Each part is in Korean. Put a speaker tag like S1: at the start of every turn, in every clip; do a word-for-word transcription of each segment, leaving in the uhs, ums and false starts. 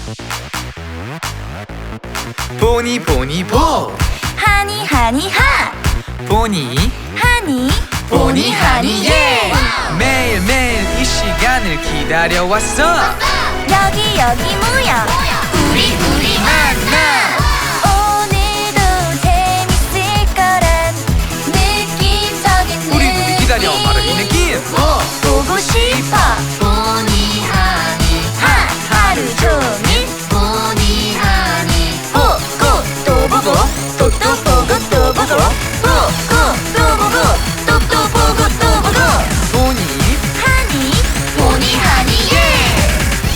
S1: 보니 보니 보
S2: 하니 하니 하
S1: 보니
S2: 하니
S1: 보니 하니 예 매일매일 이 시간을 기다려왔어
S2: 여기 여기 모여 우리 우리 만나 오늘도 재밌을 거란 느낌적인
S1: 우리 우리 기다려 바로 이 느낌 어.
S2: 보고 싶어 보니 하니 하 하루 종일 보니 하니 보고 또 보고 또 또 보고 또 보고 보고 또 보고 또 또 보고 또 보고
S1: 보니
S2: 하니 보니 하니 예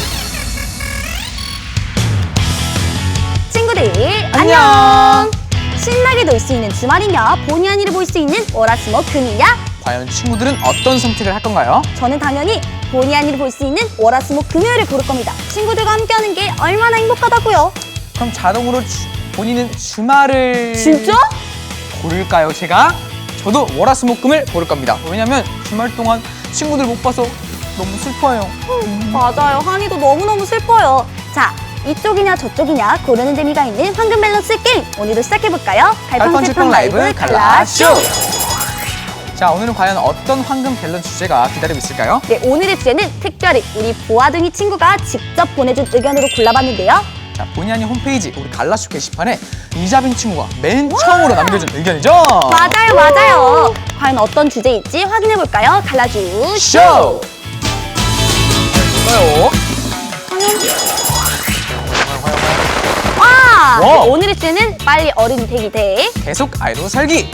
S2: 친구들 안녕 신나게 놀 수 있는 주말이냐 보니 하니를 볼 수 있는 월화수목 금이냐
S1: 과연 친구들은 어떤 선택을 할 건가요?
S2: 저는 당연히 보니 하니를 볼 수 있는 월화수목 금요일을 고를 겁니다. 친구들과 함께하는 게 얼마나 행복하다고요.
S1: 그럼 자동으로 주, 본인은 주말을
S2: 진짜?
S1: 고를까요 제가? 저도 월화수목금을 고를 겁니다. 왜냐면 주말 동안 친구들 못 봐서 너무 슬퍼요.
S2: 음, 맞아요. 하니도 너무너무 슬퍼요. 자, 이쪽이냐 저쪽이냐 고르는 재미가 있는 황금 밸런스 게임 오늘도 시작해볼까요?
S1: 갈팡질팡 라이브 갈라쇼! 자, 오늘은 과연 어떤 황금 밸런스 주제가 기다리고 있을까요?
S2: 네, 오늘의 주제는 특별히 우리 보아둥이 친구가 직접 보내준 의견으로 골라봤는데요.
S1: 자, 본의 아닌 홈페이지 우리 갈라쇼 게시판에 이자빈 친구가 맨 처음으로 남겨준 의견이죠?
S2: 맞아요, 맞아요. 과연 어떤 주제일지 확인해볼까요? 갈라주
S1: 쇼! 볼까요?
S2: 와!
S1: 와!
S2: 오늘의 주제는 빨리 어른이 되기 대
S1: 계속 아이로 살기!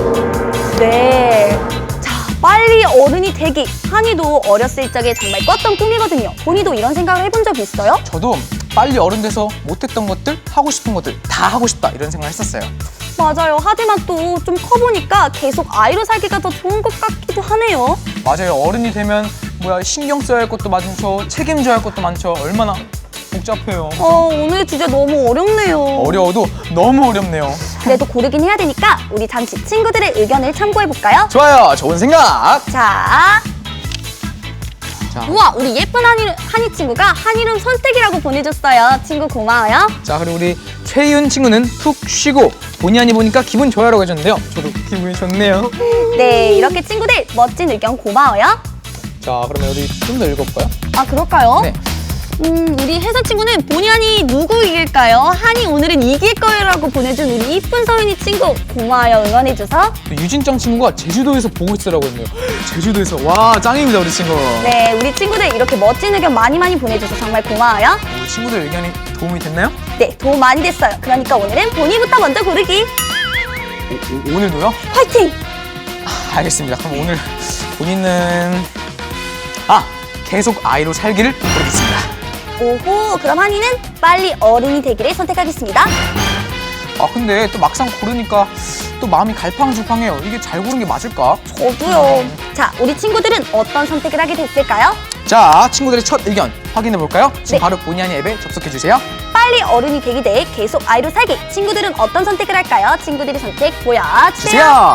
S2: 네. 자, 빨리 어른이 되기. 한이도 어렸을 적에 정말 꿨던 꿈이거든요. 본이도 이런 생각을 해본 적이 있어요?
S1: 저도 빨리 어른 돼서 못했던 것들, 하고 싶은 것들 다 하고 싶다 이런 생각을 했었어요.
S2: 맞아요. 하지만 또 좀 커보니까 계속 아이로 살기가 더 좋은 것 같기도 하네요.
S1: 맞아요. 어른이 되면 뭐야 신경 써야 할 것도 많죠. 책임져야 할 것도 많죠. 얼마나 복잡해요.
S2: 어, 오늘 주제 너무 어렵네요.
S1: 어려워도 너무 어렵네요.
S2: 그래도 고르긴 해야 되니까 우리 잠시 친구들의 의견을 참고해볼까요?
S1: 좋아요. 좋은 생각.
S2: 자,
S1: 자,
S2: 우와, 우리 예쁜 한이, 한이 친구가 한이름 선택이라고 보내줬어요. 친구 고마워요.
S1: 자 그리고 우리 최희은 친구는 푹 쉬고 본의 아니 보니까 기분 좋아라고 하셨는데요. 저도 기분이 좋네요.
S2: 네, 이렇게 친구들 멋진 의견 고마워요.
S1: 자 그러면 우리 좀 더 읽어볼까요?
S2: 아, 그럴까요?
S1: 네.
S2: 음, 우리 혜선 친구는 본의 한이 누구 이길까요? 한이 오늘은 이길 거예요라고 보내준 우리 이쁜 서윤이 친구 고마워요. 응원해줘서.
S1: 또 유진짱 친구가 제주도에서 보고 있으라고 했네요. 제주도에서 와 짱입니다 우리 친구.
S2: 네, 우리 친구들 이렇게 멋진 의견 많이 많이 보내줘서 정말 고마워요.
S1: 우리 친구들 의견이 도움이 됐나요?
S2: 네, 도움 많이 됐어요. 그러니까 오늘은 본이부터 먼저 고르기.
S1: 오, 오, 오늘도요?
S2: 화이팅!
S1: 아, 알겠습니다. 그럼 오늘 본인은 아 계속 아이로 살기를 고르겠습니다.
S2: 오호, 그럼 한이는 빨리 어른이 되기를 선택하겠습니다.
S1: 아 근데 또 막상 고르니까 또 마음이 갈팡질팡해요. 이게 잘 고른 게 맞을까?
S2: 저도요. 자, 우리 친구들은 어떤 선택을 하게 됐을까요?
S1: 자 친구들의 첫 의견 확인해 볼까요? 지금
S2: 네.
S1: 바로 본의 아니 앱에 접속해 주세요.
S2: 빨리 어른이 되기 대 계속 아이로 살기. 친구들은 어떤 선택을 할까요? 친구들의 선택 보여주세요.
S1: 주세요.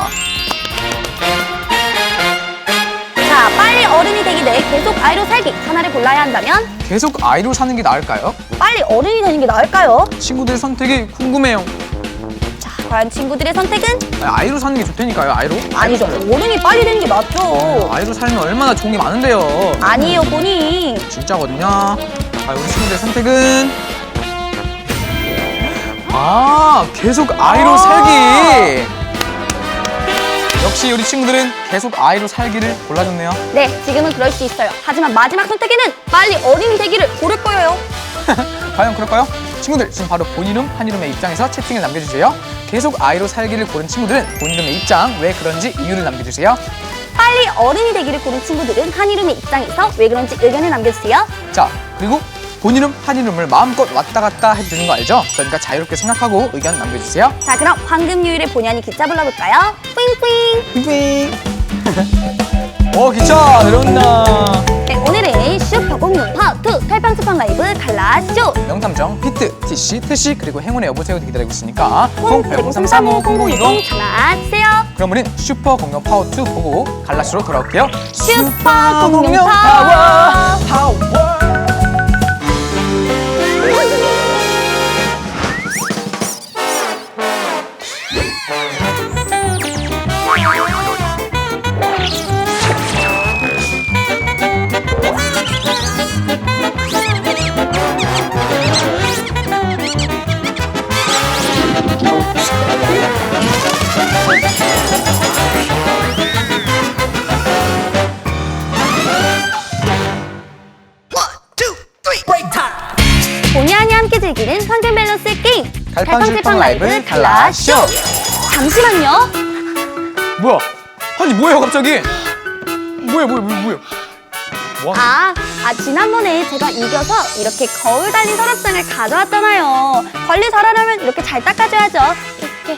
S2: 자, 빨리 어른이 되기 대 계속 아이로 살기. 하나를 골라야 한다면
S1: 계속 아이로 사는 게 나을까요?
S2: 빨리 어른이 되는 게 나을까요?
S1: 친구들의 선택이 궁금해요.
S2: 자, 과연 친구들의 선택은?
S1: 아, 아이로 사는 게 좋다니까요. 아이로?
S2: 아니죠. 어른이 빨리 되는 게 맞죠.
S1: 아이로 살면 얼마나 좋은 게 많은데요.
S2: 아니에요, 본이.
S1: 진짜거든요. 아, 우리 친구들의 선택은 아 계속 아이로
S2: 아.
S1: 살기. 역시 우리 친구들은 계속 아이로 살기를 골라줬네요.
S2: 네, 지금은 그럴 수 있어요. 하지만 마지막 선택에는 빨리 어른이 되기를 고를 거예요.
S1: 과연 그럴까요? 친구들 지금 바로 본이름 한이름의 입장에서 채팅을 남겨주세요. 계속 아이로 살기를 고른 친구들은 본이름의 입장, 왜 그런지 이유를 남겨주세요.
S2: 빨리 어른이 되기를 고른 친구들은 한이름의 입장에서 왜 그런지 의견을 남겨주세요.
S1: 자 그리고 본이름 한이름을 마음껏 왔다 갔다 해도 되는 거 알죠? 그러니까 자유롭게 생각하고 의견 남겨주세요.
S2: 자, 그럼 황금요일의 본의 아닌 기차 불러볼까요? 뿌잉뿌잉.
S1: 삐삐. 오 기차 내려온다.
S2: 네, 오늘은 슈퍼공룡 파트 칼팡스팡 라이브 갈라쇼.
S1: 명탐정 피트, 티씨, 트씨 그리고 행운의 여보세요도 기다리고 있으니까
S2: 공팔공삼삼오 공공이공 전화주세요.
S1: 그럼 우린 슈퍼 공룡 파워 투 보고 갈라쇼로 돌아올게요.
S2: 슈퍼 공룡 파워.
S1: 파워.
S2: 즐기는 환경 밸런스 게임
S1: 갈팡질팡 라이브 갈라쇼.
S2: 잠시만요.
S1: 뭐야? 아니 뭐예요 갑자기? 뭐야 뭐야 뭐야 뭐야? 뭐 하는
S2: 아, 아 지난번에 제가 이겨서 이렇게 거울 달린 서랍장을 가져왔잖아요. 관리 잘하려면 이렇게 잘 닦아줘야죠. 이렇게.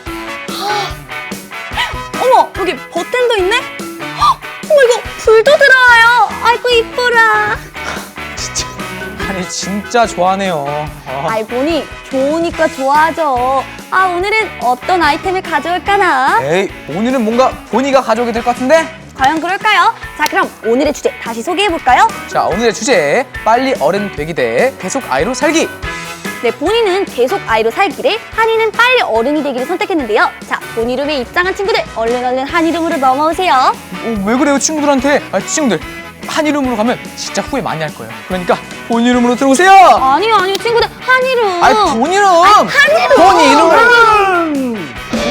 S2: 어머, 여기 버튼도 있네? 헉, 어머, 이거 불도 들어와요. 아이고 이뻐라.
S1: 진짜. 아니 진짜 좋아하네요. 아.
S2: 아이 보니 좋으니까 좋아하죠. 아 오늘은 어떤 아이템을 가져올까나?
S1: 에이 오늘은 뭔가 보니가 가져오게 될 것 같은데?
S2: 과연 그럴까요? 자 그럼 오늘의 주제 다시 소개해볼까요?
S1: 자 오늘의 주제 빨리 어른 되기 대 계속 아이로 살기.
S2: 네, 본인은 계속 아이로 살기를, 한이는 빨리 어른이 되기를 선택했는데요. 자, 본이룸에 입장한 친구들 얼른 얼른 한이룸으로 넘어오세요.
S1: 어, 왜 그래요 친구들한테? 아 친구들 한 이름으로 가면 진짜 후회 많이 할 거예요. 그러니까 본 이름으로 들어오세요.
S2: 아니요 아니요 친구들 한이룸.
S1: 아니 본 이름.
S2: 한이룸.
S1: 본 이름.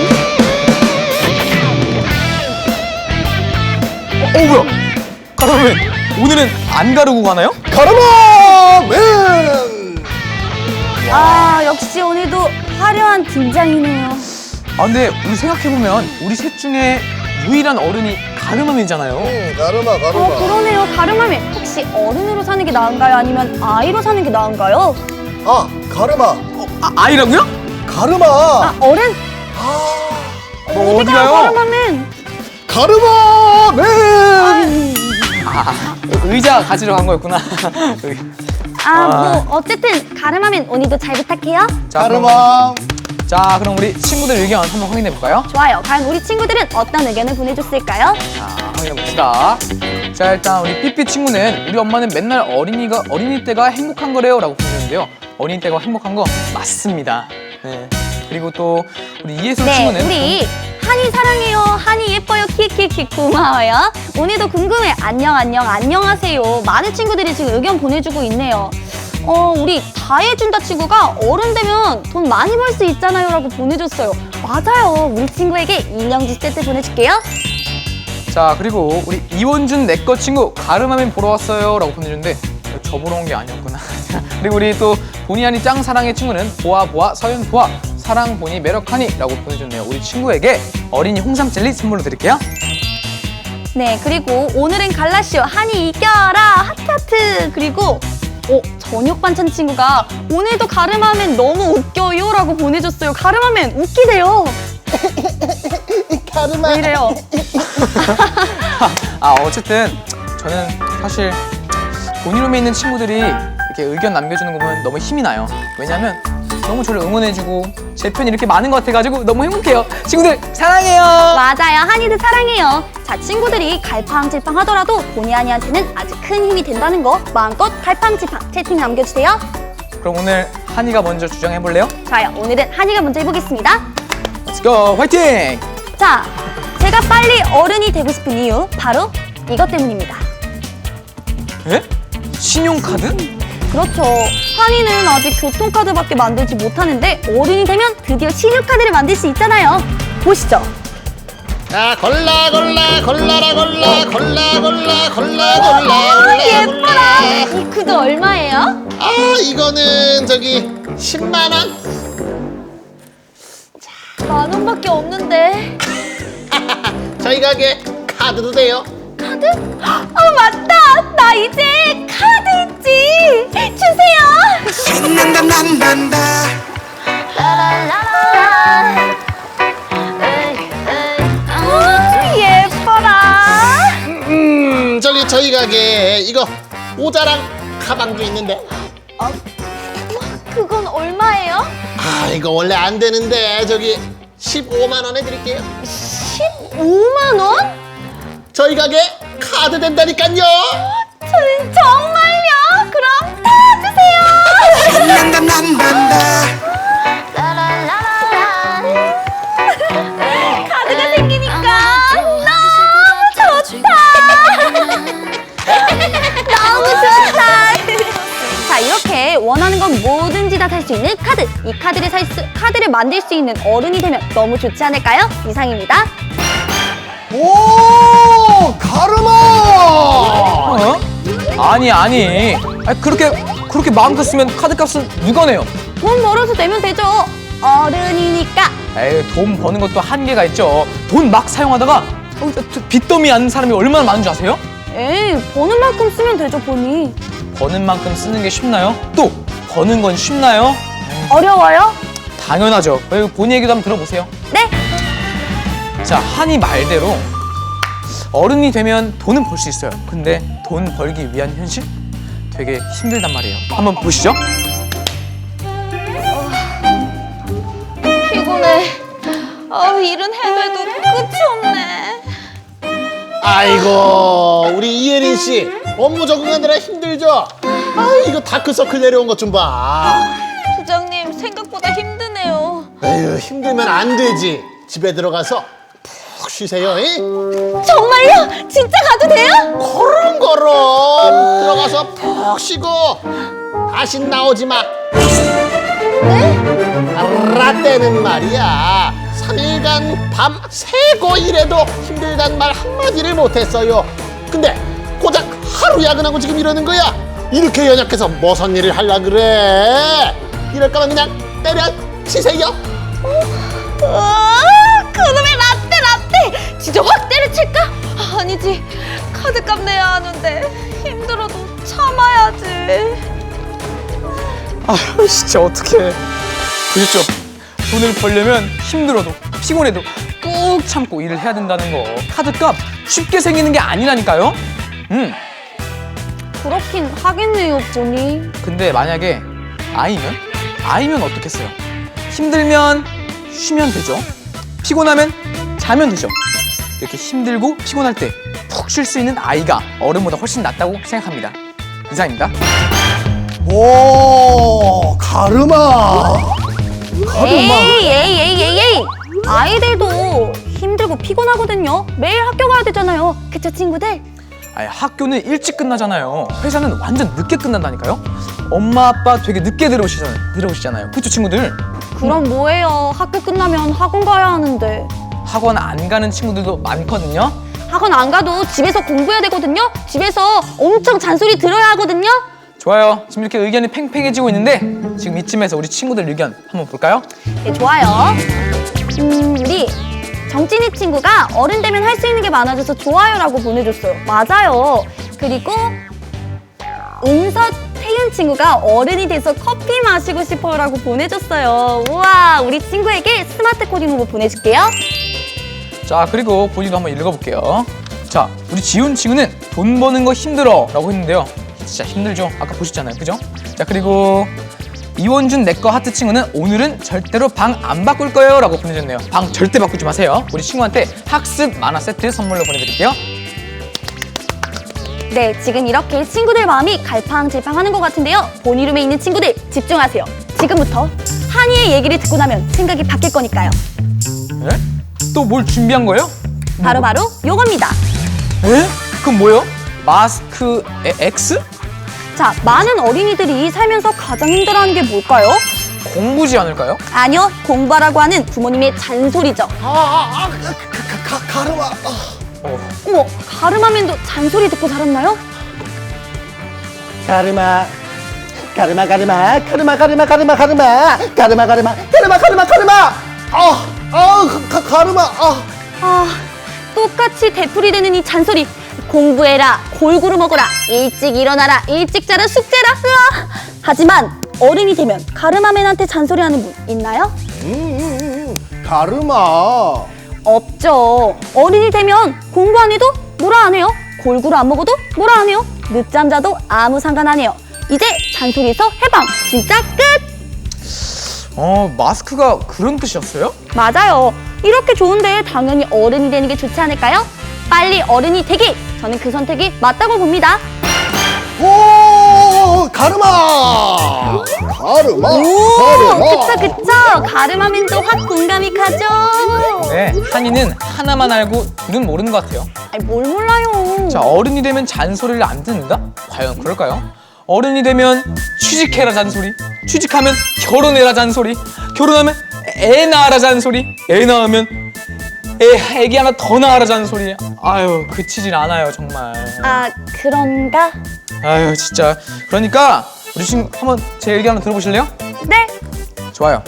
S1: 어 뭐야? 가라맨 오늘은 안 가르고 가나요?
S3: 가르마맨!
S2: 아 역시 오늘도 화려한 등장이네요.
S1: 아 근데 우리 생각해보면 우리 셋 중에 유일한 어른이 가르마맨이잖아요.
S3: 응, 가르마, 가르마.
S2: 어 그러네요. 가르마맨 혹시 어른으로 사는 게 나은가요? 아니면 아이로 사는 게 나은가요?
S3: 아, 가르마.
S1: 어, 아, 아이라고요?
S3: 가르마.
S2: 아 어른?
S3: 아,
S1: 어,
S2: 어디 가요
S1: 어디가요?
S2: 가르마맨?
S3: 가르마맨!
S1: 아, 의자 가지러 간 거였구나. 여기.
S2: 아 뭐 어쨌든 가르마맨 오늘도 잘 부탁해요.
S1: 자, 그럼,
S3: 가르마.
S1: 자 그럼 우리 친구들 의견 한번 확인해 볼까요?
S2: 좋아요. 과연 우리 친구들은 어떤 의견을 보내줬을까요?
S1: 자, 확인해 봅시다. 자, 일단 우리 삐삐 친구는 우리 엄마는 맨날 어린이가 어린이 때가 행복한 거래요라고 보내는데요. 어린이 때가 행복한 거 맞습니다. 네. 그리고 또 우리 이예솔
S2: 네,
S1: 친구는
S2: 우리 한이 사랑해요. 한이 예뻐요. 키키키 고마워요. 오늘도 궁금해. 안녕 안녕 안녕하세요. 많은 친구들이 지금 의견 보내주고 있네요. 어 우리 다 해준다 친구가 어른 되면 돈 많이 벌 수 있잖아요 라고 보내줬어요. 맞아요. 우리 친구에게 인형지 세트 보내줄게요.
S1: 자 그리고 우리 이원준 내꺼 친구 가르마맨 보러 왔어요라고 보내줬는데 저 보러 온 게 아니었구나. 그리고 우리 또 보니하니 짱 사랑의 친구는 보아 보아 서윤 보아 사랑 보니 매력하니라고 보내줬네요. 우리 친구에게 어린이 홍삼 젤리 선물로 드릴게요.
S2: 네 그리고 오늘은 갈라쇼 한이 이겨라 하트 하트. 그리고 어, 저녁 반찬 친구가 오늘도 가르마맨 너무 웃겨요 라고 보내줬어요. 가르마맨 웃기대요.
S3: 가르마.
S2: 왜 이래요?
S1: 아 어쨌든 저는 사실 본이룸에 있는 친구들이 이렇게 의견 남겨주는 거 보면 너무 힘이 나요. 왜냐면 너무 저를 응원해주고 제 편이 이렇게 많은 것 같아가지고 너무 행복해요. 친구들 사랑해요.
S2: 맞아요. 한이들 사랑해요. 자, 친구들이 갈팡질팡 하더라도 본의 아니한테는 아주 큰 힘이 된다는 거 마음껏 갈팡질팡 채팅 남겨주세요.
S1: 그럼 오늘 한이가 먼저 주장해볼래요?
S2: 좋아요. 오늘은 한이가 먼저 해보겠습니다.
S1: Let's go! 화이팅!
S2: 자, 제가 빨리 어른이 되고 싶은 이유 바로 이것 때문입니다.
S1: 에? 신용카드?
S2: 그렇죠. 한이는 아직 교통카드밖에 만들지 못하는데 어른이 되면 드디어 신용카드를 만들 수 있잖아요. 보시죠.
S3: 아, 골라, 골라, 골라라, 골라, 골라, 골라, 골라, 골라, 골라.
S2: 예뻐라. 이 구두 얼마예요?
S3: 아, 이거는 저기 십만 원?
S2: 만 원밖에 없는데.
S3: 저희 가게 카드도 돼요.
S2: 카드? 어 맞다. 나 이제 카드 있지. 주세요.
S4: 신난다 난단다
S2: 오, 예뻐라.
S3: 음, 저기 저희 가게 이거 모자랑 가방도 있는데.
S2: 어, 그건 얼마예요?
S3: 아, 이거 원래 안 되는데 저기 십오만 원에 드릴게요.
S2: 십오만 원?
S3: 저희 가게 카드 된다니까요.
S2: 저, 정말요? 그럼 다 주세요.
S4: 신난다 난단다
S2: 카드가 생기니까 너무 좋다. 너무 좋다. 자 이렇게 원하는 건 뭐든지 다 살 수 있는 카드. 이 카드를 살 수, 카드를 만들 수 있는 어른이 되면 너무 좋지 않을까요? 이상입니다.
S3: 오, 가르마.
S1: 어? 아니 아니 아니 그렇게 그렇게 마음껏 쓰면 카드 값은 누가 내요?
S2: 돈 벌어서 내면 되죠. 어른이니까.
S1: 에이, 돈 버는 것도 한계가 있죠. 돈 막 사용하다가 어, 빚더미 않는 사람이 얼마나 많은 줄 아세요?
S2: 에이, 버는 만큼 쓰면 되죠, 보니.
S1: 버는 만큼 쓰는 게 쉽나요? 또 버는 건 쉽나요?
S2: 어려워요?
S1: 당연하죠. 여기 본인 얘기도 한번 들어보세요.
S2: 네.
S1: 자, 한이 말대로 어른이 되면 돈은 벌 수 있어요. 근데 돈 벌기 위한 현실? 되게 힘들단 말이에요. 한번 보시죠.
S2: 피곤해. 아, 일은 해도 끝이 없네.
S3: 아이고 우리 이예린 씨 업무 적응하느라 힘들죠? 아 이거 다크서클 내려온 것 좀 봐.
S2: 부장님, 생각보다 힘드네요.
S3: 에휴 힘들면 안 되지. 집에 들어가서 푹 쉬세요. 이?
S2: 정말요? 진짜 가도 돼요?
S3: 거렁거렁 들어가서 푹 쉬고 다시 나오지 마.
S2: 네?
S3: 라떼는 말이야 삼 일간 밤 새고 일해도 힘들단 말 한마디를 못했어요. 근데 고작 하루 야근하고 지금 이러는 거야. 이렇게 연약해서 무슨 일을 하려 그래. 이럴 거면 그냥 때려치세요.
S2: 아, 그놈의 라떼 라떼! 진짜 확 때려칠까? 아니지, 카드값 내야 하는데 힘들어도 참아야지.
S1: 아, 진짜 어떡해. 그렇죠. 돈을 벌려면 힘들어도 피곤해도 꾹 참고 일을 해야 된다는 거. 카드값 쉽게 생기는 게 아니라니까요. 음.
S2: 그렇긴 하겠네요, 보니.
S1: 근데 만약에 아이면? 아이면 어떻겠어요? 힘들면 쉬면 되죠. 피곤하면 자면 되죠. 이렇게 힘들고 피곤할 때 푹 쉴 수 있는 아이가 어른보다 훨씬 낫다고 생각합니다. 이상입니다.
S3: 오 가르마.
S2: 에이, 에이, 에이, 에이, 에이. 아이들도 힘들고 피곤하거든요. 매일 학교 가야 되잖아요. 그쵸, 친구들?
S1: 아니, 학교는 일찍 끝나잖아요. 회사는 완전 늦게 끝난다니까요. 엄마 아빠 되게 늦게 들어오시잖아요. 들어오시잖아요. 그쵸, 친구들?
S2: 그럼 뭐예요? 학교 끝나면 학원 가야 하는데.
S1: 학원 안 가는 친구들도 많거든요.
S2: 학원 안 가도 집에서 공부해야 되거든요. 집에서 엄청 잔소리 들어야 하거든요.
S1: 좋아요. 지금 이렇게 의견이 팽팽해지고 있는데 지금 이쯤에서 우리 친구들 의견 한번 볼까요?
S2: 네, 좋아요. 음, 우리 정진이 친구가 어른 되면 할 수 있는 게 많아져서 좋아요라고 보내줬어요. 맞아요. 그리고 은서태윤 친구가 어른이 돼서 커피 마시고 싶어요라고 보내줬어요. 우와, 우리 친구에게 스마트 코딩 로봇 보내줄게요.
S1: 자, 그리고 본인도 한번 읽어볼게요. 자, 우리 지훈 친구는 돈 버는 거 힘들어 라고 했는데요. 진짜 힘들죠. 아까 보셨잖아요. 그죠? 자, 그리고 이원준 내꺼 하트 친구는 오늘은 절대로 방 안 바꿀 거예요 라고 보내줬네요. 방 절대 바꾸지 마세요. 우리 친구한테 학습 만화 세트 선물로 보내드릴게요.
S2: 네, 지금 이렇게 친구들 마음이 갈팡질팡하는 것 같은데요. 본이룸에 있는 친구들 집중하세요. 지금부터 한이의 얘기를 듣고 나면 생각이 바뀔 거니까요.
S1: 에? 또 뭘 준비한 거예요?
S2: 바로바로 요겁니다.
S1: 에? 그건 뭐예요? 마스크 에, X?
S2: 자, 많은 어린이들이 살면서 가장 힘들어하는 게 뭘까요?
S1: 공부지 않을까요?
S2: 아니요, 공부하라고 하는 부모님의 잔소리죠.
S3: 아아 아, 가르마. 아.
S1: 어.
S2: 어머, 가르마맨도 잔소리 듣고 자랐나요?
S3: 가르마 가르마 가르마 가르마 가르마 가르마 가르마 가르마 가르마 가르마 가르마 가르마. 아아 가르마. 아
S2: 아, 똑같이 되풀이 되는 이 잔소리. 공부해라, 골고루 먹어라, 일찍 일어나라, 일찍 자라, 숙제라. 으아. 하지만 어른이 되면 가르마맨한테 잔소리하는 분 있나요?
S3: 음, 가르마.
S2: 없죠. 어른이 되면 공부 안 해도 뭐라 안 해요. 골고루 안 먹어도 뭐라 안 해요. 늦잠 자도 아무 상관 안 해요. 이제 잔소리에서 해방. 진짜 끝.
S1: 어, 마스크가 그런 뜻이었어요?
S2: 맞아요. 이렇게 좋은데 당연히 어른이 되는 게 좋지 않을까요? 빨리 어른이 되기. 저는 그 선택이 맞다고 봅니다.
S3: 오 가르마. 가르마.
S2: 오,
S3: 가르마.
S2: 그쵸 그쵸. 가르마맨도 확 공감이 가죠.
S1: 네, 한이는 하나만 알고 둘은 모르는 것 같아요.
S2: 아니, 뭘 몰라요.
S1: 자, 어른이 되면 잔소리를 안 듣는다? 과연 그럴까요? 어른이 되면 취직해라 잔소리, 취직하면 결혼해라 잔소리, 결혼하면 애 낳아라 잔소리, 애 낳으면 애, 애기 하나 더 낳아라 잔소리. 아유, 그치질 않아요 정말.
S2: 아, 그런가?
S1: 아유, 진짜. 그러니까 우리 지금 한번 제 얘기 한번 들어보실래요?
S2: 네.
S1: 좋아요.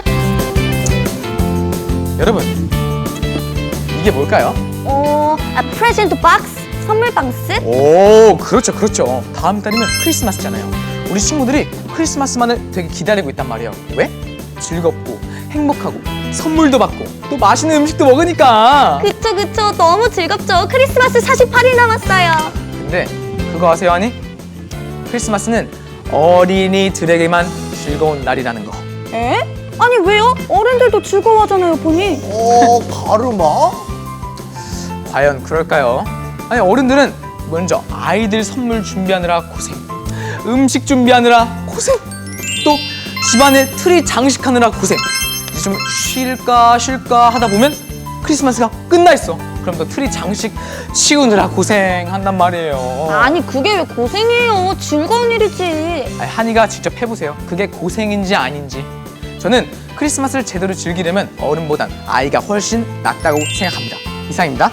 S1: 여러분, 이게 뭘까요?
S2: 어, 아, 프레젠트 박스? 선물 박스?
S1: 오, 그렇죠, 그렇죠. 다음 달이면 크리스마스잖아요. 우리 친구들이 크리스마스만을 되게 기다리고 있단 말이에요. 왜? 즐겁고 행복하고 선물도 받고 또 맛있는 음식도 먹으니까.
S2: 그쵸, 그쵸. 너무 즐겁죠. 크리스마스 사십팔 일 남았어요.
S1: 근데 그거 아세요, 아니? 크리스마스는 어린이들에게만 즐거운 날이라는 거.
S2: 에? 아니, 왜요? 어른들도 즐거워하잖아요, 보니.
S3: 어, 가르마?
S1: 과연 그럴까요? 아니, 어른들은 먼저 아이들 선물 준비하느라 고생, 음식 준비하느라 고생, 또 집안에 트리 장식하느라 고생. 이제 좀 쉴까 쉴까 하다 보면 크리스마스가 끝나 있어. 그럼 또 트리 장식 치우느라 고생한단 말이에요.
S2: 아니, 그게 왜 고생이에요? 즐거운 일이지.
S1: 아니, 한이가 직접 해보세요. 그게 고생인지 아닌지. 저는 크리스마스를 제대로 즐기려면 어른보단 아이가 훨씬 낫다고 생각합니다. 이상입니다.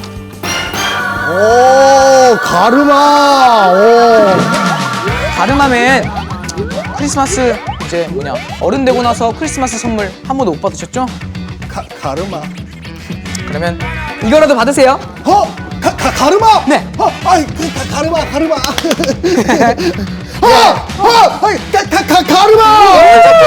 S3: 오, 가르마. 오.
S1: 가르마맨, 크리스마스 이제 뭐냐 어른 되고 나서 크리스마스 선물 한 번도 못 받으셨죠?
S3: 가, 가르마.
S1: 그러면 이거라도 받으세요.
S3: 어? 가, 가, 가르마?
S1: 네.
S3: 어, 아이, 그, 가, 가르마, 가르마. 어, 어, 아이, 가, 가, 가, 가르마.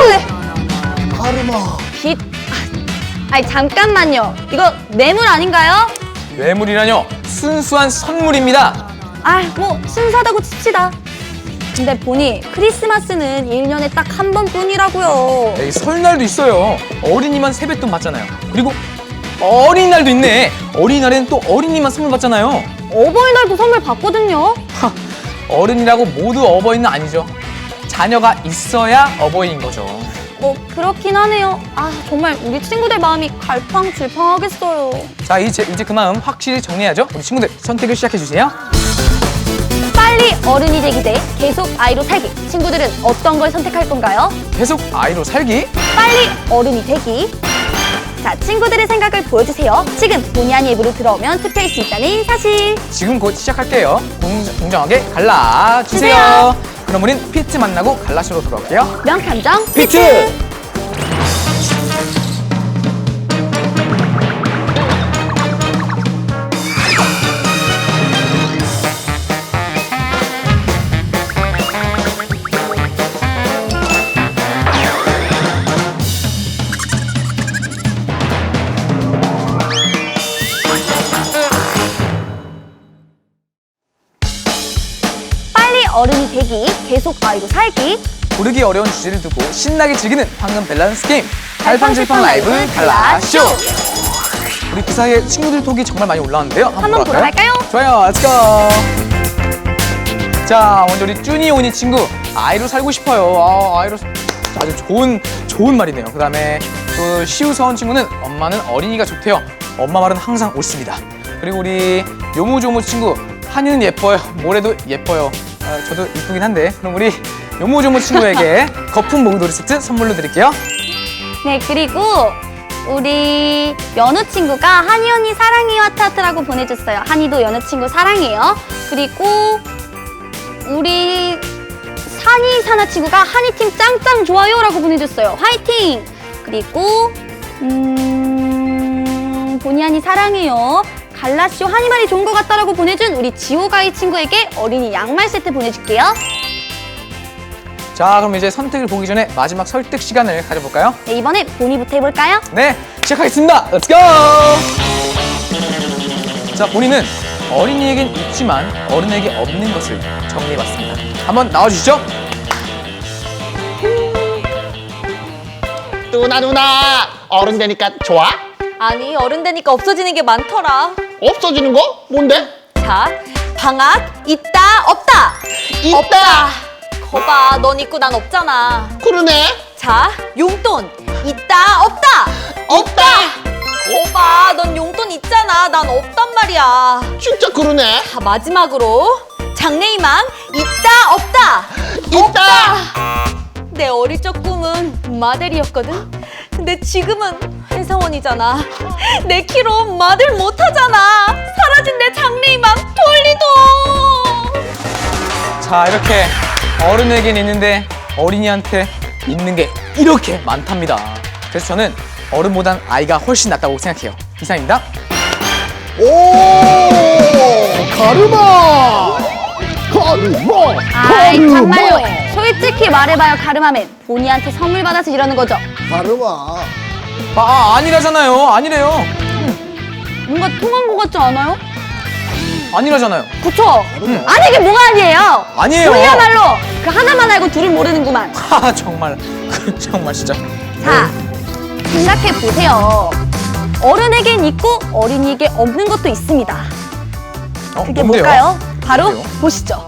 S3: 가르마.
S2: 빚. 아니, 잠깐만요. 이거 뇌물 아닌가요?
S1: 뇌물이라뇨? 순수한 선물입니다.
S2: 아, 뭐 순수하다고 칩시다. 근데 보니 크리스마스는 일 년에 딱 한 번뿐이라고요.
S1: 에이, 설날도 있어요. 어린이만 세뱃돈 받잖아요. 그리고 어린이날도 있네. 어린이날에는 또 어린이만 선물 받잖아요.
S2: 어버이날도 선물 받거든요.
S1: 하, 어른이라고 모두 어버이는 아니죠. 자녀가 있어야 어버이인 거죠.
S2: 뭐 그렇긴 하네요. 아, 정말 우리 친구들 마음이 갈팡질팡하겠어요.
S1: 자, 이제, 이제 그 마음 확실히 정리해야죠. 우리 친구들 선택을 시작해주세요.
S2: 빨리 어른이 되기 대 계속 아이로 살기. 친구들은 어떤 걸 선택할 건가요?
S1: 계속 아이로 살기.
S2: 빨리 어른이 되기. 자, 친구들의 생각을 보여주세요. 지금 본의 아닌 앱으로 들어오면 투표할 수 있다는 사실.
S1: 지금 곧 시작할게요. 공, 공정하게 갈라주세요.
S2: 주세요.
S1: 그럼 우린 피트 만나고 갈라쇼로 돌아올게요.
S2: 명탐정
S1: 피트!
S2: 빨리 어른이 되기, 계속 아이로 살기.
S1: 고르기 어려운 주제를 두고 신나게 즐기는 황금 밸런스 게임 갈팡질팡 라이브 갈라쇼. 우리 그 사이에 친구들 톡이 정말 많이 올라왔는데요. 한번,
S2: 한번 보러 갈까요?
S1: 좋아요, 렛츠고. 자, 먼저 우리 쭈니 오니 친구, 아이로 살고 싶어요. 아, 아이로 아주 좋은 좋은 말이네요. 그 다음에 또 시우서원 친구는 엄마는 어린이가 좋대요. 엄마 말은 항상 옳습니다. 그리고 우리 요모조모 친구, 한이는 예뻐요. 모래도 예뻐요. 아, 저도 이쁘긴 한데. 그럼 우리 요모조모 친구에게 거품 목욕놀이 세트 선물로 드릴게요.
S2: 네, 그리고 우리 연우 친구가 한이 언니 사랑해요 하트 하트라고 보내줬어요. 한이도 연우 친구 사랑해요. 그리고 우리 산이 사나 친구가 한이 팀 짱짱 좋아요 라고 보내줬어요. 화이팅! 그리고 음... 본의 아니 사랑해요. 갈라쇼 한이 말이 좋은 것 같다라고 보내준 우리 지호가이 친구에게 어린이 양말 세트 보내줄게요.
S1: 자, 그럼 이제 선택을 보기 전에 마지막 설득 시간을 가져볼까요?
S2: 네, 이번에 본이부터 해볼까요?
S1: 네, 시작하겠습니다. 렛츠고! 자, 본인은 어린이에겐 있지만 어른에게 없는 것을 정리해봤습니다. 한번 나와주시죠.
S3: 누나 누나 어른 되니까 좋아?
S5: 아니 어른 되니까 없어지는 게 많더라.
S3: 없어지는 거? 뭔데?
S5: 자, 방학 있다 없다.
S3: 있다.
S5: 없다. 거봐, 넌 있고 난 없잖아.
S3: 그러네.
S5: 자, 용돈 있다 없다.
S3: 없다.
S5: 거봐, 넌 용돈 있잖아. 난 없단 말이야.
S3: 진짜 그러네.
S5: 자, 마지막으로 장래희망 있다 없다.
S3: 있다.
S5: 내 어릴 적 꿈은 마델이었거든. 근데 지금은 회사원이잖아. 내 키로 마델 못하잖아. 사라진 내 장래희망 돌리도.
S1: 자, 이렇게 어른에겐 있는데 어린이한테 있는 게 이렇게 많답니다. 그래서 저는 어른보단 아이가 훨씬 낫다고 생각해요. 이상입니다.
S3: 오, 가르마! 가르마!
S5: 아이
S3: 가르마!
S5: 정말요. 솔직히 말해봐요 가르마맨. 본이한테 선물 받아서 이러는 거죠?
S3: 가르마.
S1: 아, 아 아니라잖아요. 아니래요.
S5: 뭔가 통한 거 같지 않아요?
S1: 아니라잖아요.
S5: 그쵸? 아니 이게 뭐가 아니에요?
S1: 아니에요.
S5: 그야말로 그 하나만 알고 둘을 모르는구만.
S1: 하 정말 그 정말 진짜.
S5: 자, 생각해 보세요. 어른에겐 있고 어린이에게 없는 것도 있습니다.
S1: 어,
S5: 그게
S1: 뭔데요?
S5: 뭘까요? 바로
S1: 뭔데요?
S5: 보시죠.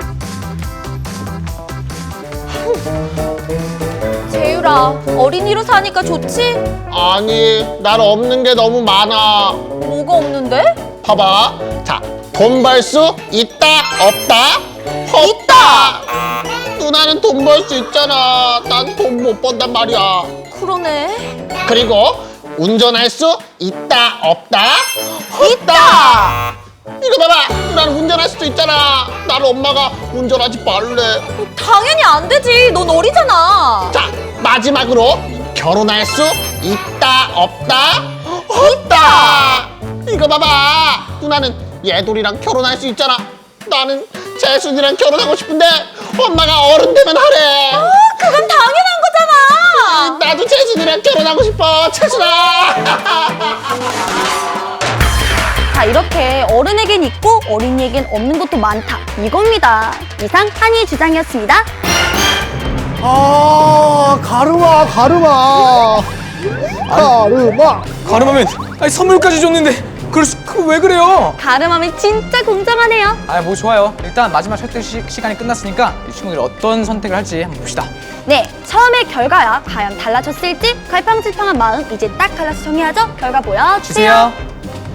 S5: 재유라, 어린이로 사니까 좋지?
S3: 아니, 난 없는 게 너무 많아.
S5: 뭐가 없는데?
S3: 봐봐. 자, 돈 벌 수 있다, 없다? 없다! 누나는 돈 벌 수 있잖아. 난 돈 못 번단 말이야.
S5: 그러네.
S3: 그리고 운전할 수 있다, 없다? 있다! 이거 봐봐. 나는 운전할 수도 있잖아. 나는 엄마가 운전하지 말래.
S5: 당연히 안 되지. 넌 어리잖아.
S3: 자, 마지막으로 결혼할 수 있다, 없다? 없다! 이거 봐봐. 누나는 예돌이랑 결혼할 수 있잖아. 나는 재순이랑 결혼하고 싶은데 엄마가 어른 되면 하래.
S5: 그건 당연한 거잖아.
S3: 나도 재순이랑 결혼하고 싶어. 재순아!
S5: 자, 이렇게 어른에겐 있고 어린이에겐 없는 것도 많다. 이겁니다. 이상 한이의 주장이었습니다.
S3: 아, 가르마, 가르마. 가르마.
S1: 가름하면 아니 선물까지 줬는데 그럴 수, 그 왜 그래요?
S5: 가름하면 진짜 공정하네요.
S1: 아 뭐 좋아요. 일단 마지막 설득 시, 시간이 끝났으니까 이 친구들이 어떤 선택을 할지 한번 봅시다.
S5: 네, 처음의 결과야 과연 달라졌을지 갈팡질팡한 마음 이제 딱 갈라서 정해야죠. 결과 보여주세요.
S1: 주세요.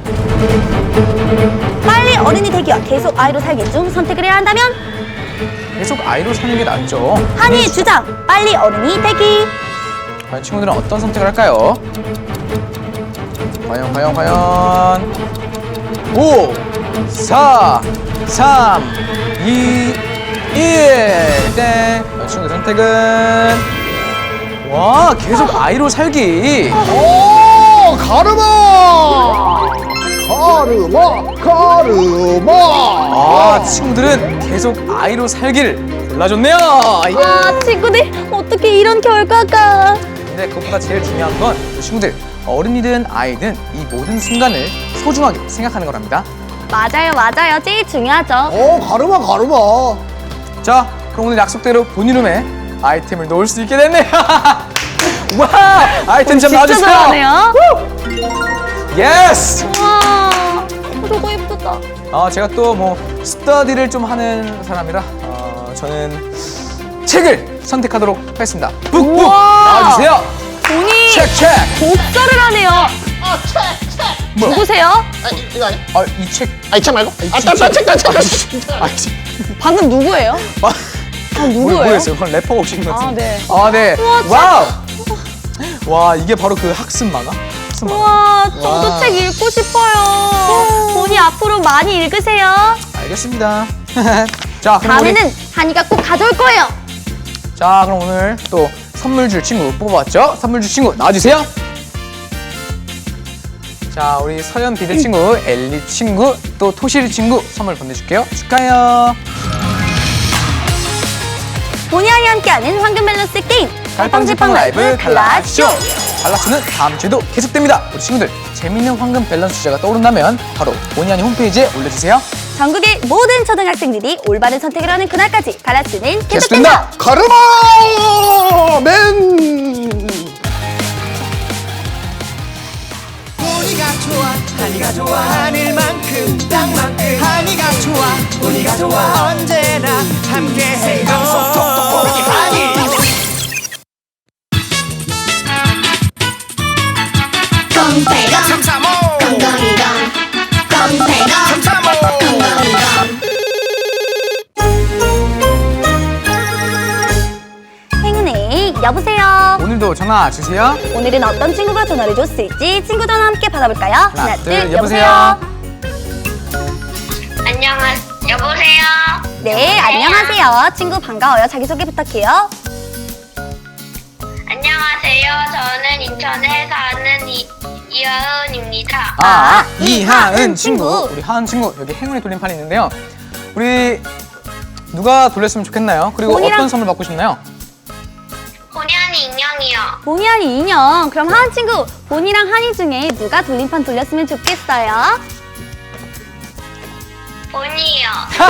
S5: 빨리 어른이 되기와 계속 아이로 살기 중 선택을 해야 한다면
S1: 계속 아이로 사는 게 낫죠.
S5: 한이의 주장, 빨리 어른이 되기.
S1: 과연 친구들은 어떤 선택을 할까요? 과연 과연 과연 오, 사, 삼, 이, 일 땡. 과연 친구들 선택은 와 계속 아이로 살기.
S3: 오, 가르마. 가르마, 가르마.
S1: 아 친구들은 계속 아이로 살기를 골라줬네요. 예.
S5: 아, 친구들 어떻게 이런 결과가.
S1: 근데 그것보다 제일 중요한 건 친구들 어른이든 아이든 이 모든 순간을 소중하게 생각하는 거랍니다.
S5: 맞아요, 맞아요. 제일 중요하죠.
S3: 오, 가르마, 가르마.
S1: 자, 그럼 오늘 약속대로 본인룸에 아이템을 놓을 수 있게 됐네요. 와, 아이템 좀
S5: 진짜
S1: 나와주세요.
S5: 잘하네요.
S1: 예스.
S5: 와, 저거 예쁘다.
S1: 어, 제가 또 뭐 스터디를 좀 하는 사람이라 어, 저는 책을 선택하도록 하겠습니다. 북북
S5: 우와.
S1: 나와주세요.
S5: 본이
S1: 책, 책.
S5: 독서를 하네요.
S3: 아, 책, 책.
S1: 뭐?
S5: 누구세요?
S3: 아니, 이거 아니야?
S1: 아, 이 책.
S3: 아, 이 책 말고? 아,
S1: 책,
S3: 딴 책, 딴 책, 딴
S1: 아,
S3: 책.
S1: 아, 이 책.
S5: 방금 누구예요?
S1: 아,
S5: 아, 누구예요?
S1: 모르겠어요. 그건 래퍼가 오신 것 같은데.
S5: 아, 네.
S1: 아, 네.
S5: 우와,
S1: 와우. 와, 이게 바로 그 학습 만화? 학습 만화.
S5: 우와, 저도
S1: 와.
S5: 책 읽고 싶어요. 본이 앞으로 많이 읽으세요.
S1: 알겠습니다. 자, 그럼 우리,
S5: 다음에는 한이가 꼭 가져올 거예요.
S1: 자, 그럼 오늘 또 선물 줄 친구 뽑아봤죠? 선물 줄 친구 나와주세요. 자, 우리 서연 비대 친구, 엘리 친구, 또 토시리 친구 선물 보내줄게요. 축하해요.
S5: 본의 아니 함께하는 황금 밸런스 게임
S1: 갈팡질팡 라이브 갈라쇼. 갈라쇼는 다음 주에도 계속됩니다. 우리 친구들 재밌는 황금 밸런스 주제가 떠오른다면 바로 본의 아니 홈페이지에 올려주세요.
S5: 전국의 모든 초등학생들이 올바른 선택을 하는 그날까지 갈라쇼는
S1: 계속된다.
S5: 계속된다.
S3: 가르마 맨.
S4: 보니가 좋아 한이가 좋아 하늘만큼 땅만큼 한이가 좋아 보니가 좋아 언제나 함께해요 방송 톡톡 한이
S2: 꽁빼검
S4: 삼삼오
S2: 꽁꽁이검 꽁빼검
S4: 삼삼오
S2: 꽁꽁이검
S5: 행운의 여보세요.
S1: 오늘도 전화 주세요.
S5: 오늘은 어떤 친구가 전화를 줬을지 친구 전화 함께 받아볼까요?
S1: 하나, 둘, 여보세요.
S2: 안녕하 여보세요.
S5: 네, 안녕하세요. 친구 반가워요. 자기소개 부탁해요.
S6: 안녕하세요. 저는 인천에 사는 이, 이하은입니다.
S1: 아,
S5: 아,
S1: 이하은 친구.
S5: 친구.
S1: 우리 하은 친구 여기 행운의 돌림판이 있는데요. 우리 누가 돌렸으면 좋겠나요? 그리고
S5: 본이랑-
S1: 어떤 선물 받고 싶나요?
S6: 본의 아닌 인형이요.
S5: 보니 아니 인형. 그럼 하은 친구, 보니랑 한이 중에 누가 돌림판 돌렸으면 좋겠어요?
S6: 본이요.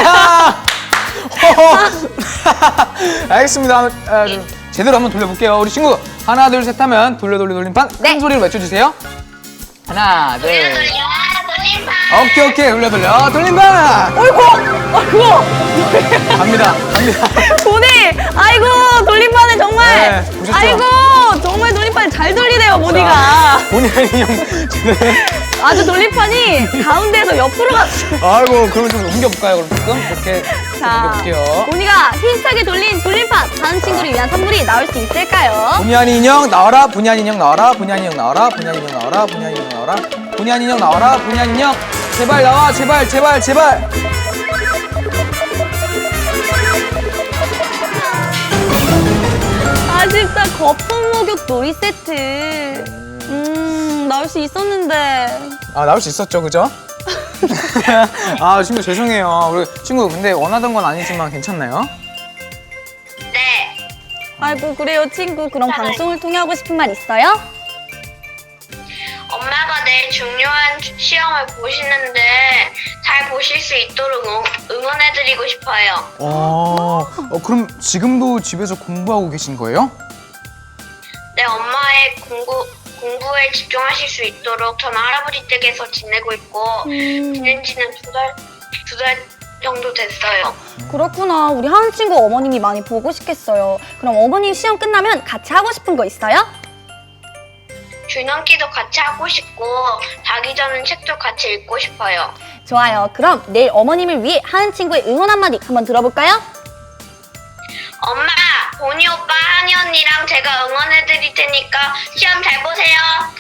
S1: 알겠습니다. 아, 좀 제대로 한번 돌려볼게요. 우리 친구 하나 둘 셋 하면 돌려 돌려 돌림판 큰
S5: 네.
S1: 소리로 외쳐주세요. 하나 둘.
S6: 돌려 돌려 돌림판.
S1: 오케이 오케이 돌려 돌려 돌림판.
S5: 어이구! 어이구!
S1: 갑니다 갑니다.
S5: 보니! 아이고, 돌림판을 정말!
S1: 네, 보셨죠?
S5: 아이고, 정말 돌림판 잘 돌리네요, 보니가.
S1: 본의 아닌 인형.
S5: 아주 돌림판이 가운데에서 옆으로 갔어.
S1: 아이고 그러면 좀 옮겨볼까요? 그럼 조금 이렇게
S5: 자,
S1: 옮겨볼게요.
S5: 보니가 힙하게 돌린 돌림판, 다른 친구를 위한 선물이 나올 수 있을까요?
S1: 본의 아닌 인형 나와라. 본의 아닌 인형 나와라. 본의 아닌 인형 나와라. 본의 아닌 인형 나와라. 본의 아닌 인형 나와라. 본의 아닌 인형 나와라. 본의 아닌 인형 제발 나와. 제발 제발 제발.
S5: 아쉽다, 거품 목욕 놀이 세트. 음, 나올 수 있었는데.
S1: 아 나올 수 있었죠, 그죠? 아 친구 죄송해요. 우리 친구 근데 원하던 건 아니지만 괜찮나요?
S6: 네.
S5: 아이고, 그래요, 친구. 그럼 방송을 통해 하고 싶은 말 있어요?
S6: 엄마가 내일 중요한 시험을 보시는데 잘 보실 수 있도록 응- 응원해드리고 싶어요.
S1: 어, 어 그럼 지금도 집에서 공부하고 계신 거예요?
S6: 네, 엄마의 공부, 공부에 집중하실 수 있도록 저는 할아버지 댁에서 지내고 있고 지낸 지는 두 달, 두 달 정도 됐어요.
S5: 그렇구나. 우리 하은 친구 어머님이 많이 보고 싶겠어요. 그럼 어머님 시험 끝나면 같이 하고 싶은 거 있어요?
S6: 줄넘기도 같이 하고 싶고 자기 전에 책도 같이 읽고 싶어요.
S5: 좋아요. 그럼 내일 어머님을 위해 하은 친구의 응원 한마디 한번 들어볼까요?
S6: 엄마, 보니 오빠, 한이 언니랑 제가 응원해드릴 테니까 시험 잘 보세요.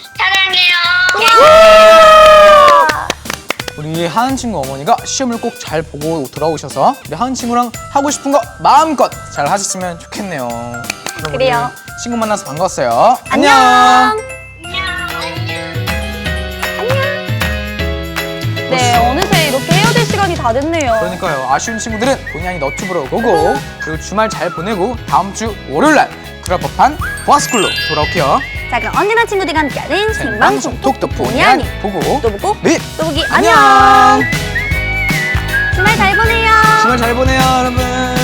S6: 사랑해요.
S1: 우리 하은 친구 어머니가 시험을 꼭 잘 보고 돌아오셔서 우리 하은 친구랑 하고 싶은 거 마음껏 잘 하셨으면 좋겠네요. 그럼
S5: 그래요.
S1: 우리 친구 만나서 반가웠어요.
S5: 안녕. 네, 어느새 이렇게 헤어질 시간이 다 됐네요.
S1: 그러니까요. 아쉬운 친구들은 본의 아닌 너튜브로 보고 그리고 주말 잘 보내고 다음 주 월요일날 그럴 법한 보아스쿨로 돌아올게요.
S5: 자, 그럼 언니나 친구들과 함께하는 생방송
S1: 톡톡
S5: 본의
S1: 본의
S5: 아닌
S1: 아닌 보고
S5: 또 보고
S1: 네
S5: 또 보기
S1: 안녕.
S5: 안녕. 주말 잘 보내요.
S1: 주말 잘 보내요, 여러분.